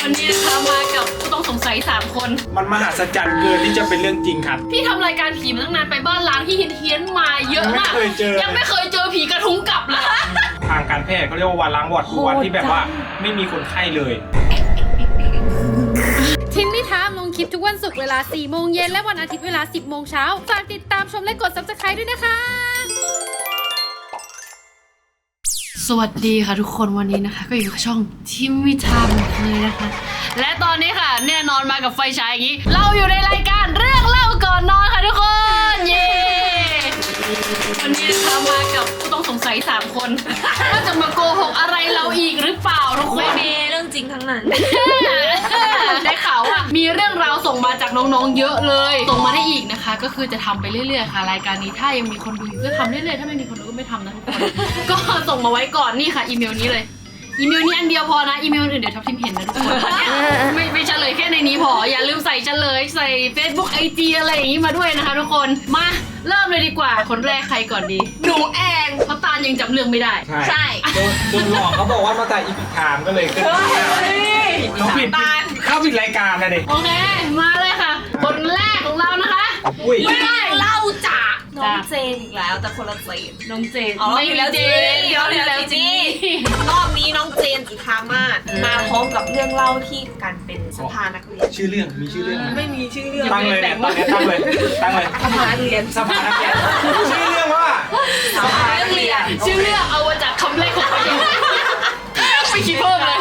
วันนี้นะคะมากับผู้ต้องสงสัย3 คนมันมหัศจรรย์เกินที่จะเป็นเรื่องจริงครับพี่ทำรายการผีมาตั้งนานไปบ้านล้างที่เฮี้ยนๆมาเยอะมากยังไม่เคยเจอผีกระทุ้งกลับเลยทางการแพทย์เขาเรียกว่าวันล้างวอร์ดคือวันที่แบบว่าไม่มีคนไข้เลยทิมมี่ทามลงคลิปทุกวันศุกร์เวลา 4 โมงเย็นและวันอาทิตย์เวลา 10 โมงเช้าฝากติดตามชมและกด Subscribe ด้วยนะคะสวัสดีค่ะทุกคนวันนี้นะคะก็อยู่กับช่องทิมมี่ทามเลยนะคะและตอนนี้ค่ะแน่นอนมากับไฟฉายอย่างนี้เราอยู่ในรายการเรื่องเล่าก่อนนอนค่ะทุกคนเย้วันนี้นะคะมากับผู้ต้องสงสัย3 คนว่าจะมาโกหกอะไรเราอีกหรือเปล่าทุกคนไม่มีเรื่องจริงทั้งนั้นได้ข่าวว่ามีเรื่องราวส่งมาจากน้องๆเยอะเลยส่งมาได้อีกนะคะก็คือจะทำไปเรื่อยๆค่ะรายการนี้ถ้ายังมีคนดูอยู่ก็ทำเรื่อยๆถ้าไม่มีคนดูก็ไม่ทำนะทุกคนก็ส่งมาไว้ก่อนนี่ค่ะอีเมลนี้เลยอีเมลนี้อันเดียวพอนะอีเมลอื่นเดี๋ยวทับทิมเห็นนะทุกคนไม่เฉลยแค่ในนี้พออย่าลืมใส่เฉลยใส่ Facebook IG อะไรอย่างนี้มาด้วยนะคะทุกคนมาเริ่มเลยดีกว่าคนแรกใครก่อนดีหนูแองเพราะตาลยังจำเรื่องไม่ได้ใช่โดนหลอกเขาบอกว่ามาจากอีพิคามก็เลยขึ้นเขาผิดเข้าผิดรายการนะเด็กโอเคมาเลยค่ะคนแรกของเรานะคะไม่ได้เล่าจากน้องเจนอีกแล้วแต่คนละเจนน้องเจนไม่แล้วเจนเดี๋ยวจีรอบนี้น้องเจนจุธามาศมาพร้อมกับเรื่องเล่าที่การเป็นสภานักเรียนชื่อเรื่องมีชื่อเรื่องไม่มีชื่อเรื่องตั้งเลยเนี่ยตั้งเลยสภานักเรียนสภานักเรียนชื่อเรื่องว่าสภานักเรียนชื่อเรื่องเอามาจากคำแรกของประโยคไม่คิดเพิ่มเลย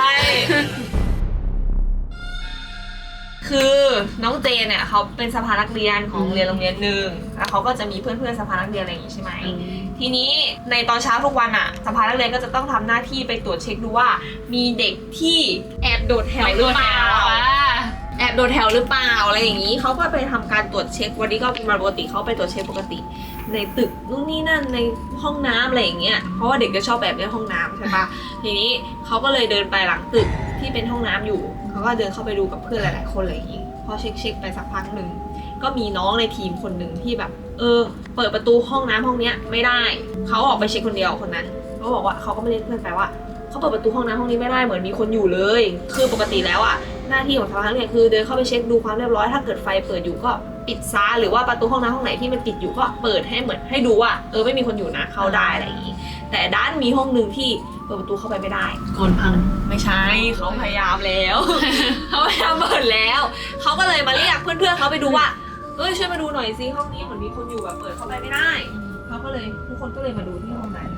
คือน้องเจนเนี่ยเขาเป็นสภานักเรียนของโรงเรียนหนึ่งแล้วเขาก็จะมีเพื่อนๆสภานักเรียนอะไรอย่างงี้ใช่ไหมทีนี้ในตอนเช้าทุกวันอ่ะสภานักเรียนก็จะต้องทำหน้าที่ไปตรวจเช็คดูว่ามีเด็กที่แอบโดดแถวหรือเปล่าแอบโดดแถวหรือเปล่าอะไรอย่างนี้เขาก็ไปทำการตรวจเช็ควันนี้ก็เป็นวันปกติเขาไปตรวจเช็คปกติในตึกนู่นนี่นั่นในห้องน้ำอะไรอย่างเงี้ยเพราะว่าเด็กจะชอบแบบในห้องน้ำใช่ปะทีนี้เขาก็เลยเดินไปหลังตึกที่เป็นห้องน้ำอยู่เขาก็เดินเข้าไปดูกับเพื่อนหลายๆคนอะไรอย่างงี้พอเช็คไปสักพักหนึ่งก็มีน้องในทีมคนหนึ่งที่แบบเปิดประตูห้องน้ำห้องเนี้ยไม่ได้เขาออกไปเช็คคนเดียวคนนั้นเขาบอกว่าเขาก็ไม่เรียกเพื่อนไปว่าเขาเปิดประตูห้องน้ำห้องนี้ไม่ได้เหมือนมีคนอยู่เลยคือปกติแล้วอ่ะหน้าที่ของสภานักเรียนคือเดินเข้าไปเช็คดูความเรียบร้อยถ้าเกิดไฟเปิดอยู่ก็ปิดซะหรือว่าประตูห้องน้ำห้องไหนที่มันปิดอยู่ก็เปิดให้เหมือนให้ดูว่าไม่มีคนอยู่นะเข้าได้อะไรอย่างนี้แต่ด้านมีห้องนึงที่เปิดประตูเข้าไปไม่ได้คนพังไม่ใช่เขาพยายามแล้ว เขาพยายามเปิดแล้วเขาก็เลยมาเรียกเพื่อนๆเขาไปดูว่าช่วยมาดูหน่อยซิห้องนี้เหมือนมีคนอยู่แบบเปิดเข้าไปไม่ได้เขาก็เลยทุกคนก็เลยมาดูที่ห้องนั้น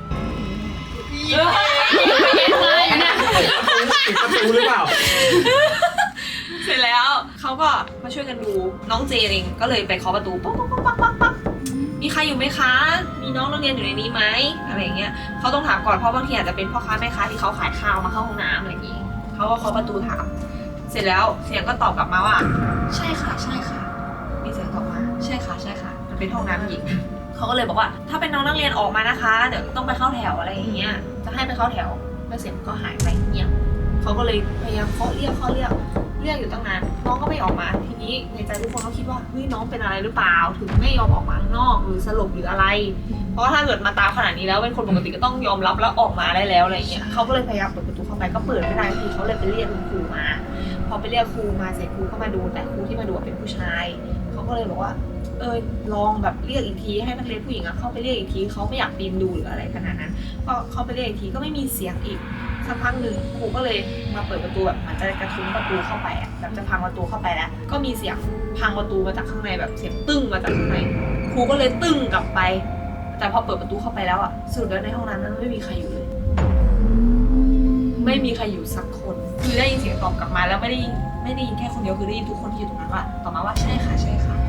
ปิดประตูหรือเปล่าเสร็จแล้วเขาก็มาช่วยกันดูน้องเจเองก็เลยไปเคาะประตูป๊อกป๊อกป๊อกป๊อกป๊อกมีใครอยู่ไหมคะมีน้องนักเรียนอยู่ในนี้ไหมอะไรอย่างเงี้ยเขาต้องถามก่อนเพราะบางทีอาจจะเป็นพ่อค้าแม่ค้าที่เขาขายข้าวมาเข้าห้องน้ำอะไรอย่างงี้เขาก็เคาะประตูถามเสร็จแล้วเสียงก็ตอบกลับมาว่าใช่ค่ะใช่ค่ะมีเสียงตอบมาใช่ค่ะใช่ค่ะมันเป็นห้องน้ำหญิงเขาก็เลยบอกว่าถ้าเป็นน้องนักเรียนออกมานะคะเดี๋ยวต้องไปเข้าแถวอะไรอย่างเงี้ยจะให้ไปเข้าแถวแล้วเสียงก็หายไปเงียบเขาก็เลยพยายามเคาะเรียกอยู่ตั้งนานน้องก็ไม่ออกมาทีนี้ในใจทุกคนก็คิดว่าเฮ้ยน้องเป็นอะไรหรือเปล่าถึงไม่ยอมออกมาข้างนอกหรือสลบหรืออะไรเพราะถ้าเกิดมาตามขนาดนี้แล้วเป็นคนปกติก็ต้องยอมรับแล้วออกมาได้แล้วอะไรอย่างเงี้ยเขาก็เลยพยายามเปิดประตูเข้าไปก็เปิดไม่ได้ทีเขาเลยไปเรียกคุณครูมาพอไปเรียกครูมาเสร็จครูก็มาดูแต่ครูที่มาดูเป็นผู้ชายเขาก็เลยบอกว่าลองแบบเรียกอีกทีให้นักเรียนผู้หญิงเข้าไปเรียกอีกทีเขาไม่อยากปีนดูหรืออะไรขนาดนั้นก็เข้าไปเรียกอีกทีก็ไม่มีเสียงอีกสักพักหนึ่งครูก็เลยมาเปิดประตูแบบเหมือนจะกระทุ้งประตูเข้าไปแบบจะพังประตูเข้าไปแล้วก็มีเสียงพังประตูมาจากข้างในแบบเสียงตึ้งมาจากข้างในครูก็เลยตึ้งกลับไปแต่พอเปิดประตูเข้าไปแล้วสุดแล้วในห้องนั้นไม่มีใครอยู่เลยไม่มีใครอยู่สักคนคือได้ยินเสียงตอบกลับมาแล้วไม่ได้ยินแค่คนเดียวคือได้ยินทุกคนที่อยู่ตรงนั้นว่าตอบมาว่าใช่ค่ะใช่ค่ะ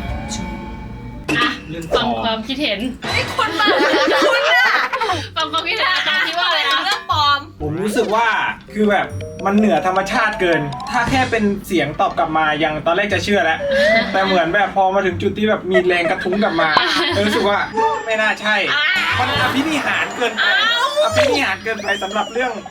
ฟังความคิดเห็นไอ้คนบ้าคุณน่ะฟังความคิดเห็นอาจารย์คิดว่าอะไรคะเรื่องปลอมผมรู้สึกว่าคือแบบมันเหนือธรรมชาติเกินถ้าแค่เป็นเสียงตอบกลับมายังตอนแรกจะเชื่อแล้วแต่เหมือนแบบพอมาถึงจุดที่แบบมีแรงกระทุ้งกลับมารู้สึกว่าไม่น่าใช่มันอภินิหารเกินไปอภินิหารเกินไปสำหรับเรื่อง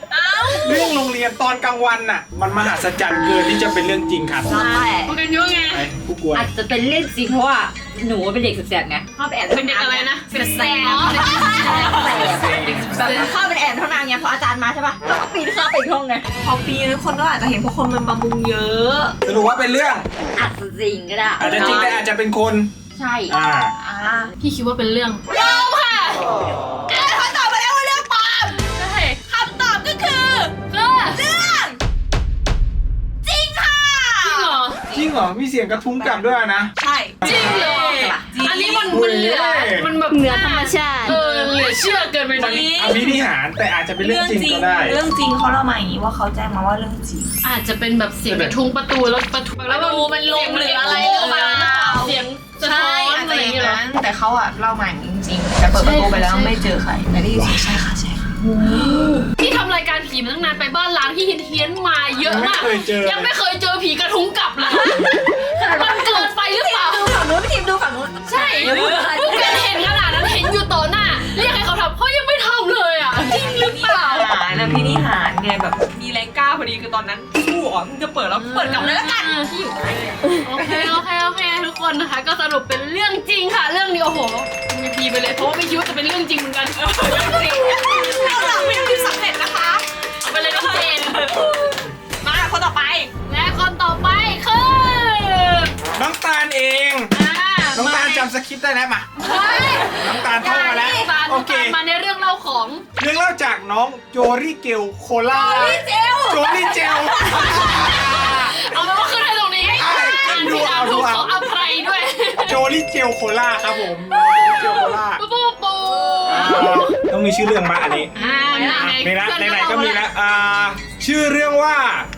เรื่องโรงเรียนตอนกลางวันน่ะ มันมหัศจรรย์เกินที่จะเป็นเรื่องจริงครับใช่พวกกันยุ่งไงไอ้ผู้กวนอาจจะเป็นเรื่องจริงเพราะว่าหนูเป็นเด็กสุดแสบไงชอบแอบเป็นเด็กอะไรนะเป็นแสบอ๋อเด็กแบบเข้าเป็นแอบเท่านานไงพออาจารย์มาใช่ป่ะแล้วก็ปีนเข้าไปอีกห้องไงพอปีนึงคนก็อาจจะเห็นพวกคนมันบำรุงเยอะสรุปว่าเป็นเรื่องอาจจะจริงก็ได้อาจจะจริงแต่อาจจะเป็นคนใช่อ่าพี่คิดว่าเป็นเรื่องปลอมค่ะเขาตอบมาแล้วว่าเรื่องปลอมใช่คำตอบก็คือก็เรื่องจริงค่ะจริงเหรอจริงเหรอ มีเสียงกระทุ้งกลับด้วยนะใช่จริงเหรอจริงอันนี้มันเหลือมันแบบเหนือธรรมชาติเหลือเชื่อเกินไปหน่อยอภินิหารแต่อาจจะเป็นเรื่องจริงก็ได้เรื่องจริงเขาเล่ามาอย่างนี้ว่าเขาแจ้งมาว่าเรื่องจริงอาจจะเป็นแบบเสียงกระทุ้งประตูแล้วประตูแล้วมันลงหรืออะไรหรือเปล่าเสียงสะท้อนอะไรอย่างเงี้ยเหรอแต่เขาอะเล่ามาอย่างนี้จริงๆแต่เปิดประตูไปแล้วไม่เจอใครแต่ได้ยินเสียงใช่ค่ะใช่ค่ะพี่ทำรายการผีมาตั้งนานไปบ้านล้างที่เฮี้ยนๆมาเยอะมากไม่เคยเจอยังไม่เคยเจอผีกระทุ้งกลับเลยมันเกินไปหรือเปล่าดูฝั่งนู้นพี่ทีมดูฝั่งนู้นใช่พวกกันเห็นขนาดนั้นเห็นอยู่ต่อหน้าเรียกให้เขาทำเขายังไม่ทำเลยอ่ะจริงหรือเปล่านะพี่นิหารไงแบบมีแรงกล้าพอดีคือตอนนั้นสู้อ๋อมึงจะเปิดแล้วเปิดกลับเลยละกันที่อยู่ใกล้เลยโอเคทุกคนนะคะ ก็สรุปเป็นเรื่องจริงค่ะ เรื่องนี้โอ้โหมีพีไปเลยเพราะว่าไม่คิดว่าจะเป็นเรื่องจริงเหมือนกันจริงเราหลังไม่ได้สำเร็จนะคะเอาไปเลยก็เจนมาคนต่อไปและคนต่อไปคือน้องตาลเอง น้องตาลจำสคริปต์ได้แล้วมา น้องตาลท่องมาแล้วตาลโอเคมาในเรื่องเล่าของเรื่องเล่าจากน้องโจรี่เกลโคล่าโจรี่เจลเอาไปว่าขึ้นให้ตรงนี้อ่านผิดอ่านถูกเขาอภัยด้วยโจรี่เจลโคล่าครับผมโจรี่เจลโคล่าปูปูปูต้องมีชื่อเรื่องมาอันนี้ ในละไหนๆก็มีแล้วชื่อเรื่องว่า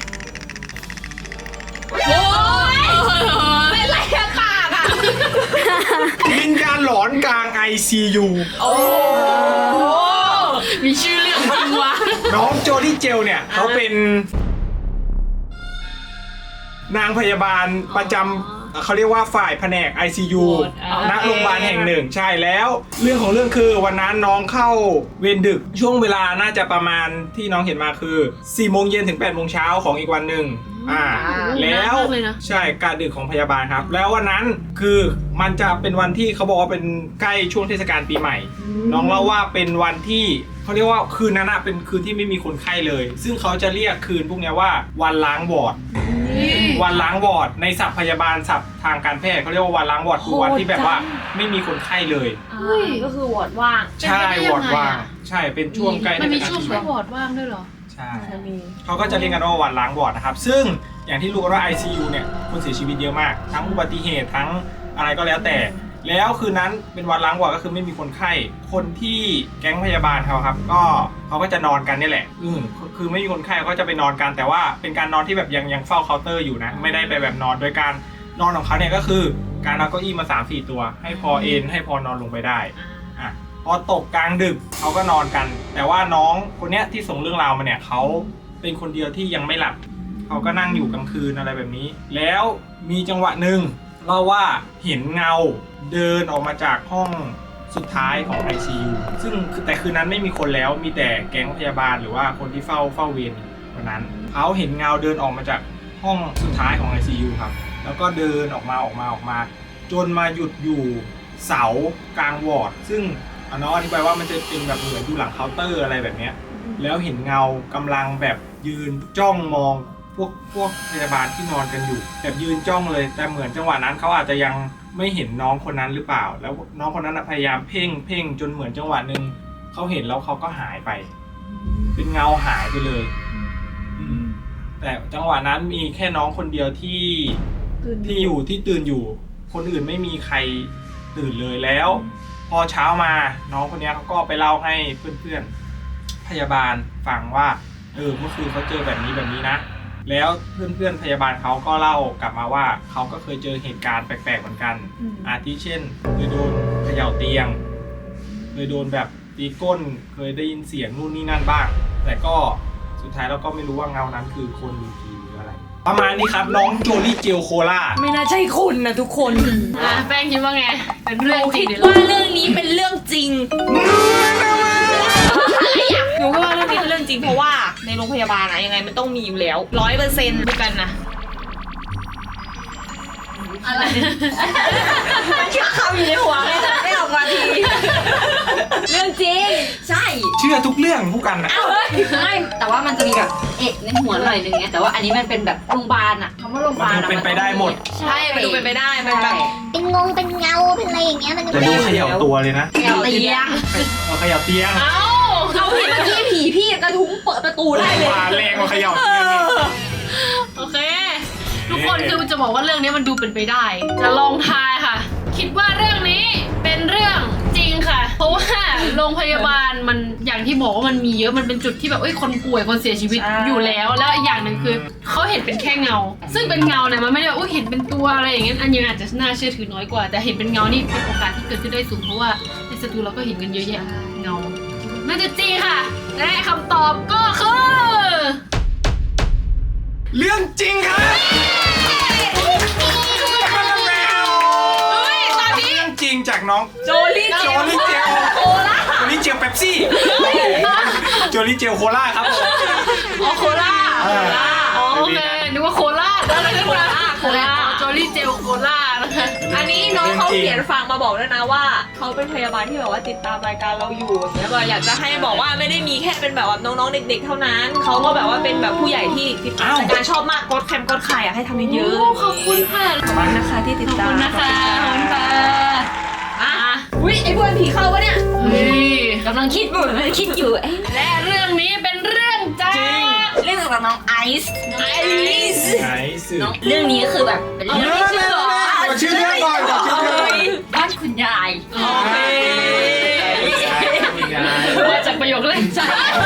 โอ้ยเป็นไรอะปากอะวิญญาณหลอนกลาง ICU มีชื่อเรื่องจริงวะน้องโจลี่เจลเนี่ยเขาเป็นนางพยาบาลประจำเขาเรียกว่าฝ่ายแผนก ICU ณโรงพยาบาลแห่งหนึ่งใช่แล้ว เรื่องของเรื่องคือวันนั้นน้องเข้าเวรดึกช่วงเวลาน่าจะประมาณที่น้องเห็นมาคือ4 โมงเย็นถึง 8 โมงเช้าของอีกวันหนึ่งแล้วใช่การดึกของพยาบาลครับ แล้ววันนั้นคือมันจะเป็นวันที่เขาบอกว่าเป็นใกล้ช่วงเทศกาลปีใหม่ น้องเล่าว่าเป็นวันที่เขาเรียกว่าคืนนั้นอะเป็นคืนที่ไม่มีคนไข้เลย ซึ่งเขาจะเรียกคืนพวกนี้ว่าวันล้างวอร์ด วันล้างวอร์ดในศัพท์พยาบาลศัพท์ทางการแพทย์เขาเรียกว่าวันล้างวอร์ดคือวันที่แบบว่าไม่มีคนไข้เลยก็คือวอร์ดว่างใช่วอร์ดว่างใช่เป็นช่วงใกล้มันมีเทศกาลช่วงปีช่ใหวม่งวอร์ดว่างด้วยเหรอใช่เขาก็จะเรียกกันว่าวันล้างวอร์ดนะครับซึ่งอย่างที่รู้กันว่า ICU เนี่ยคนเสียชีวิตเยอะมากทั้งอุบัติเหตุทั้งอะไรก็แล้วแต่แล้วคืนนั้นเป็นวันล้างวอร์ดก็คือไม่มีคนไข้คนที่แก๊งพยาบาลเขาครับก็เขาก็จะนอนกันนี่แหละคือไม่มีคนไข้เขาก็จะไปนอนกันแต่ว่าเป็นการนอนที่แบบยังเฝ้าเคาน์เตอร์อยู่นะไม่ได้ไปแบบนอนโดยการนอนของเขาเนี่ยก็คือการเอาเก้าอี้มา 3-4 ตัวให้พอเอนให้พอนอนลงไปได้อ่ะพอตกกลางดึกเขาก็นอนกันแต่ว่าน้องคนเนี้ยที่ส่งเรื่องราวมาเนี่ยเขาเป็นคนเดียวที่ยังไม่หลับเขาก็นั่งอยู่กลางคืนอะไรแบบนี้แล้วมีจังหวะหนึ่งเล่าว่าเห็นเงาเดินออกมาจากห้องสุดท้ายของ ICU ซึ่งแต่คืนนั้นไม่มีคนแล้วมีแต่แก๊งพยาบาลหรือว่าคนที่เฝ้าเวรวันนั้นเขาเห็นเงาเดินออกมาจากห้องสุดท้ายของ ICU ครับแล้วก็เดินออกมาจนมาหยุดอยู่เสากลางวอร์ดซึ่งน้องอธิบายว่ามันจะเป็นแบบเหมือนอยู่หลังเคาน์เตอร์อะไรแบบเนี้ยแล้วเห็นเงากำลังแบบยืนจ้องมองพวกพยาบาลที่นอนกันอยู่แบบยืนจ้องเลยแต่เหมือนจังหวะนั้นเขาอาจจะยังไม่เห็นน้องคนนั้นหรือเปล่าแล้วน้องคนนั้นพยายามเพ่งจนเหมือนจังหวะหนึ่งเขาเห็นแล้วเขาก็หายไปเป็นเงาหายไปเลยแต่จังหวะนั้นมีแค่น้องคนเดียวที่ตื่นอยู่คนอื่นไม่มีใครตื่นเลยแล้วพอเช้ามาน้องคนนี้เขาก็ไปเล่าให้เพื่อนๆพยาบาลฟังว่าเมื่อคืนเขาเจอแบบนี้นะแล้วเพื่อนๆพยาบาลเขาก็เล่ากลับมาว่าเขาก็เคยเจอเหตุการณ์แปลกๆเหมือนกันอาทิเช่นเคยโดนเขย่าเตียงเคยโดนแบบตีก้นเคยได้ยินเสียงนู่นนี่นั่นบ้างแต่ก็สุดท้ายเราก็ไม่รู้ว่าเงานั้นคือคนหรือผีหรืออะไรประมาณนี้ครับน้องโจลี่เจลโคล่าไม่น่าใช่คุณนะทุกคนแป้งคิดว่าไงเป็นเรื่องจริคิงดหรือว่าเรื่องนี้เป็นเรื่องจริงหนูก็ว่าเรื่องนี้เป็นเรื่องจริงเพราะว่าในโรงพยาบาลอะยังไงมันต้องมีอยู่แล้ว100%ด้วยกันนะอะไรมันเชื่อคำอยู่ในหัวไงไม่ออกมาทีเรื่องจริงใช่เชื่อทุกเรื่องผู้กันนะไม่แต่ว่ามันจะมีแบบเอกในหัวหน่อยนึงไงแต่ว่าอันนี้มันเป็นแบบโรงพยาบาลอะคำว่าโรงพยาบาลมันเป็นไปได้หมดใช่มันดูเป็นไปได้มันแบบเป็นงงเป็นเงาเป็นอะไรอย่างเงี้ยมันแต่ดูเขย่าตัวเลยนะเตียงเขย่าเตียงเอ้าเขาเห็นเมื่อกี้ผีพี่กระทุ้งเปิดประตูได้เลยมาแรงกว่าเขย่าเตียงอีกโอเค ทุกคนคือจะบอกว่าเรื่องนี้มันดูเป็นไปได้ จะลองทายค่ะ คิดว่าเรื่องนี้เป็นเรื่องจริงค่ะ เพราะว่าโรงพยาบาลมันอย่างที่บอกว่ามันมีเยอะมันเป็นจุดที่แบบคนป่วยคนเสียชีวิตอยู่แล้วอีกอย่างหนึ่งคือเขาเห็นเป็นแค่เงา ซึ่งเป็นเงาเนี่ยมันไม่ได้ว่าเห็นเป็นตัวอะไรอย่างเงี้ยอันนี้อาจจะน่าเชื่อถือน้อยกว่า แต่เห็นเป็นเงานี่เป็นโอกาสที่เกิดขึ้นได้สูงเพราะว่าในสตูเราก็เห็นกันเยอะแยะเงาน่าจะจริงค่ะและคำตอบก็คือเรื่องจริงครับตอนนี้เรื่องจริงจากน้องโจลี่โจลี่เจลโคล่าโจลี่เจลเป๊ปซี่โจลี่เจลโคล่าครับผมอ๋อโคราชเอออ๋อโอเคนึกว่าโคราชอะไรขึ้นมาโคราชโจลี่เจลโคราชนะคะอันนี้น้องเขาเขียนฟังมาบอกด้วยนะว่าเขาเป็นพยาบาลที่แบบว่าติดตามรายการเราอยู่อย่างเงี้ยอยากจะให้บอกว่าไม่ได้มีแค่เป็นแบบว่าน้องๆเด็กๆเท่านั้นเขาก็แบบว่าเป็นแบบผู้ใหญ่ที่ติดตามรายการชอบมากกดแคมกดไข่อยากให้ทำเยอะๆขอบคุณค่ะขอบคุณนะคะที่ติดขอบตามคุณนะคะขอบคุณค่ะอ่ะอุ้ยไอ้พวกผีเข้าปะเนี่ยนี่กำลังคิดอยู่เอ๊ะและเรื่องนี้เป็นเรื่องจากเรื่องเกี่ยวกับน้องไอซ์ไหนสื่อน้องเรื่องนี้คือแบบเป็นเรื่องขอชื่อเรื่องก่อนขอชื่อเรื่องก่อนบ้านคุณยายโอเคมาจากประโยคเล่นใจ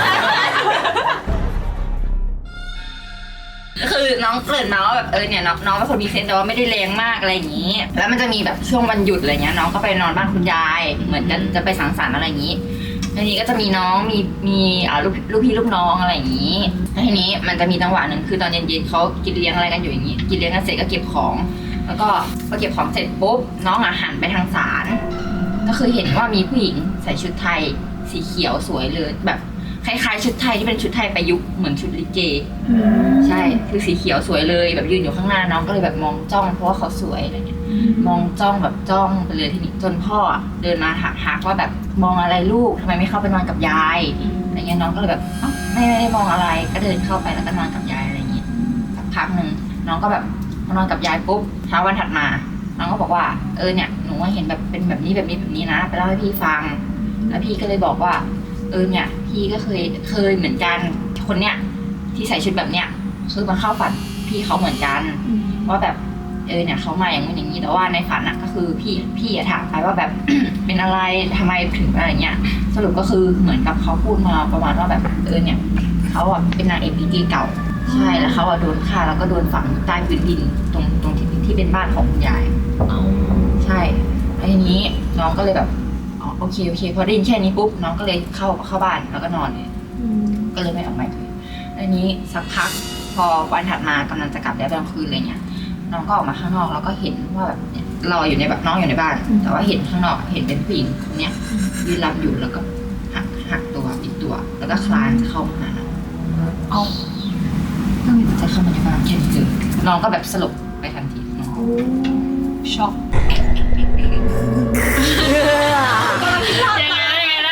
คือน้องเกริ่นมาว่าแบบเนี่ยน้องเป็นคนมีเซนส์แต่ว่าไม่ได้แรงมากอะไรอย่างนี้ แล้วมันจะมีแบบช่วงวันหยุดอะไรเงี้ยน้องก็ไปนอนบ้านคุณยายเหมือนกันจะไปสังสรรค์อะไรอย่างนี้ทีนี้ก็จะมีน้องมีลูกพี่ลูกน้องอะไรอย่างนี้แล้วทีนี้มันจะมีจังหวะหนึ่งคือตอนเย็นๆเขากินเลี้ยงอะไรกันอยู่อย่างนี้กินเลี้ยงกันเสร็จก็เก็บของ แล้วก็พอเก็บของเสร็จปุ๊บน้องหันไปทางศาลก็คือเห็นว่ามีผู้หญิงใส่ชุดไทยสีเขียวสวยเลยแบบคล้ายๆชุดไทยที่เป็นชุดไทยประยุกต์เหมือนชุดลิเกใช่คือสีเขียวสวยเลยแบบยืนอยู่ข้างหน้าน้องก็เลยแบบมองจ้องเพราะว่าเขาสวยอะไรเงี้ยมองจ้องแบบจ้องไปเลยทีนี้จนพ่อเดินมาทักว่าแบบมองอะไรลูกทำไมไม่เข้าไปนอนกับยายอะไรเงี้ยน้องก็เลยแบบไม่ได้มองอะไรก็เดินเข้าไปแล้วก็นอนกับยายอะไรเงี้ยสักพักหนึ่งน้องก็แบบมานอนกับยายปุ๊บเช้าวันถัดมาน้องก็บอกว่าเนี่ยหนูเห็นแบบเป็นแบบนี้นะไปเล่าให้พี่ฟังแล้วพี่ก็เลยบอกว่าเนี่ยพี่ก็เคยเหมือนกันคนเนี้ยที่ใส่ชุดแบบเนี้ยคือมาเข้าฝันพี่เขาเหมือนกันว่าแบบเนี่ยเขามาอย่างนู้นอย่างนี้แต่ว่าในฝันอะก็คือพี่ถามไปว่าแบบ เป็นอะไรทำไมถึงอะไรเงี้ยสรุปก็คือเหมือนกับเขาพูดมาประมาณว่าแบบเนี่ยเขาอะเป็นนางเอกลิเกเก่าใช่แล้วเขาอะโดนฆ่าแล้วก็โดนฝังใต้พื้นดินตรงที่เป็นบ้านของคุณยายใช่แล้วทีนี้น้องก็เลยแบบโอเคพอได้ยินแค่นี้ปุ๊บน้องก็เลยเข้าบ้านแล้วก็นอนเลยก็เลยไม่ออกมาเลยอันนี้สักพักพอวันถัดมากำลังจะกลับแล้วตอนกลางคืนอะไรเงี้ยน้องก็ออกมาข้างนอกแล้วก็เห็นว่าแบบเราอยู่ในแบบน้องอยู่ในบ้านแต่ว่าเห็นข้างนอกเห็นเป็นผู้หญิงคนเนี้ยยืนรับอยู่แล้วก็หักตัวปิดตัวแล้วก็คลานเข้ามาหาน้องเอาจะเข้ามาในบ้านแค่นี้เลยน้องก็แบบสลบไปทันทีน้องช็อกยังไงนะ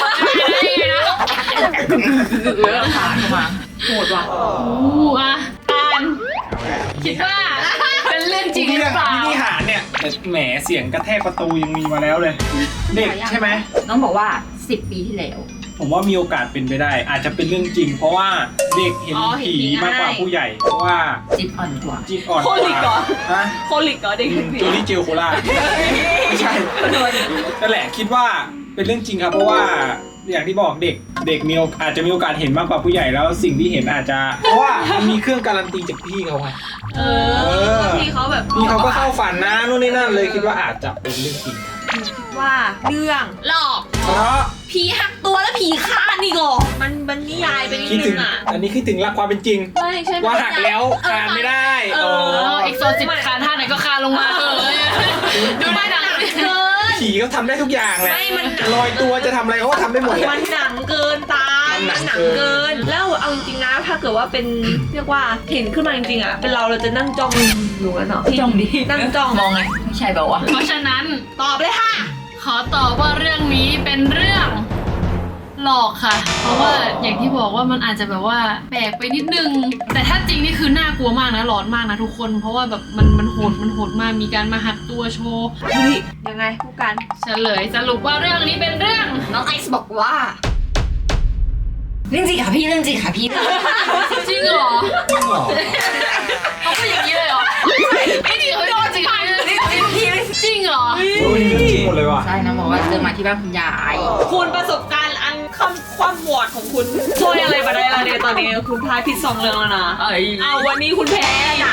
ขาเข้ามาโหดว่ะอ่ะการคิดว่าเป็นเรื่องจริงหรือเปล่าพินิหารเนี่ยแต่แหมเสียงกระแทกประตูยังมีมาแล้วเลย เด็กใช่ไหมน้องบอกว่า10 ปีที่แล้วผมว่ามีโอกาสเป็นไปได้ อาจจะเป็นเรื่องจริง เพราะว่าเด็กเห็นผีมากกว่าผู้ใหญ่ เพราะว่าจิตอ่อนกว่าจิตอ่อนโคลิกเหรอฮะโคลิกเหรอเด็กผีโจลี่เจลโคล่าไม่ใช่นั่นแหละคิดว่าเป็นเรื่องจริงครับเพราะว่าอย่างที่บอกเด็กอาจจะมีโอกาสเห็นมากกว่าผู้ใหญ่แล้วสิ่งที่เห็นอาจจะเพราะว่ามันมีเครื่องการันตีจากพี่เขาไงพี่เขาแบบพี่เขาก็เข้าฝันนะนู่นนี่นั่นเลยคิดว่าอาจจะเป็นเรื่องจริงว่าเรื่องหลอกเพราะผีหักตัวแล้วผีฆ่านี่ก่อมันนิยายไปนิดคิดนึถึงงอ่ะอันนี้คิดถึงรักความเป็นจริงใช่ว่าหักแล้วคานไม่ได้อีกโซสิบคานท่าไหนก็คานลงมาดูได้ดังเกินผีเขาทำได้ทุกอย่างแหละไม่มันลอยตัวจะทำอะไรเขาก็ทำได้หมดแหละมันหนังเกินตายทำหนังเกิน แล้วเอาจริงๆนะถ้าเกิดว่าเป็นเรียกว่าเห็นขึ้นมาจริงๆอ่ะเป็นเราจะนั่งจ้องอยู่กันเนาะจ้องดินั่งจ้องมองไงไม่ใช่แบบว่าเพราะฉะนั้นตอบเลยค่ะขอตอบว่าเรื่องนี้เป็นเรื่องหลอกค่ะ เพราะว่าอย่างที่บอกว่ามันอาจจะแบบว่าแปลกไปนิดนึง แต่ถ้าจริงนี่คือน่ากลัวมากนะหลอนมากนะทุกคน เพราะว่าแบบมันโหดมากมีการมาหักตัวโชว์เฮ้ยยังไงผู้กันเฉลยสรุปว่าเรื่องนี้เป็นเรื่องน้องไอซ์บอกว่าเรื่องจริงค่ะพี่เรื่องจริงค่ะพี่จริงเหรอจริงเหรอเขาเป็นอย่างนี้เลยเหรอไม่จริงเหรอจริงเหรอจริงเหรอโอ้ยเรื่องจริงหมดเลยว่ะใช่น้องบอกว่าเจอมาที่บ้านคุณยายคุณประสบการณ์อันความวอดของคุณช่วยอะไรมาได้ละเนี่ยตอนนี้คุณทายผิด2เรื่องแล้วนะเอ้ยเอาวันนี้คุณแพ้นะ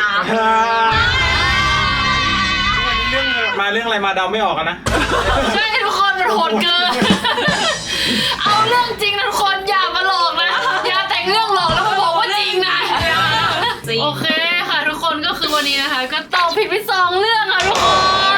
เรื่องมาเรื่องอะไรมาเดาไม่ออกกันนะใช่ทุกคนมันโหดเกิน เอาเรื่องจริงนะทุกคนอย่ามาหลอกนะ อย่าแต่งเรื่องหลอกแล้วมาบอกว่าจริงนะจริงโอเคค่ะทุกคนก็คือวันนี้นะคะ ก็ตอบผิดไป2เรื่องค่ะทุกคน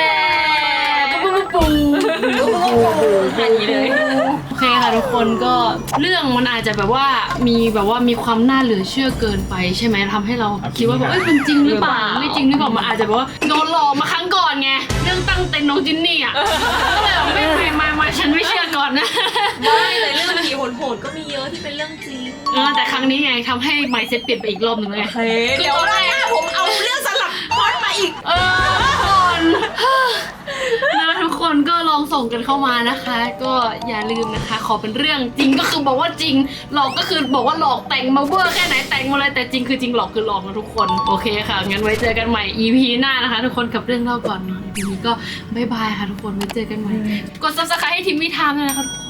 อย่างนี้เลยโอเคค่ะทุกคนก็เรื่องมันอาจจะแบบว่ามีความน่าเหลือเชื่อเกินไปใช่ไหมทำให้เราคิดว่าแบบมันจริงหรือเปล่าไม่จริงหรือเปล่ามันอาจจะแบบว่าโดนหลอกมาครั้งก่อนไงเรื่องตั้งเต็นท์น้องจินนี่อ่ะก็เลยแบบไม่ฉันไม่เชื่อก่อนนะไม่แต่เรื่องผีโหดๆก็มีเยอะที่เป็นเรื่องจริงแต่ครั้งนี้ไงทำให้ mindset เปลี่ยนไปอีกรอบหนึ่งเลยเดี๋ยวรอบหน้าผมเอาเรื่องสลับพล็อตมาอีกทุกคน นะทุกคนก็ลองส่งกันเข้ามานะคะ ก็อย่าลืมนะคะ ขอเป็นเรื่องจริงก็คือบอกว่าจริงหลอกก็คือบอกว่าหลอกแต่งมาเวอร์แค่ไหนแต่งมาเลยแต่จริงคือจริงหลอกคือหลอกนะทุกคนโอเคค่ะงั้นไว้เจอกันใหม่ EP หน้านะคะ ทุกคนกับเรื่องเล่าก่อนนอน EP นี้ก็บ๊ายบายค่ะทุกคนไว้เจอกันใหม่กด subscribe ให้ทีมวิทามด้วยนะคะทุกคน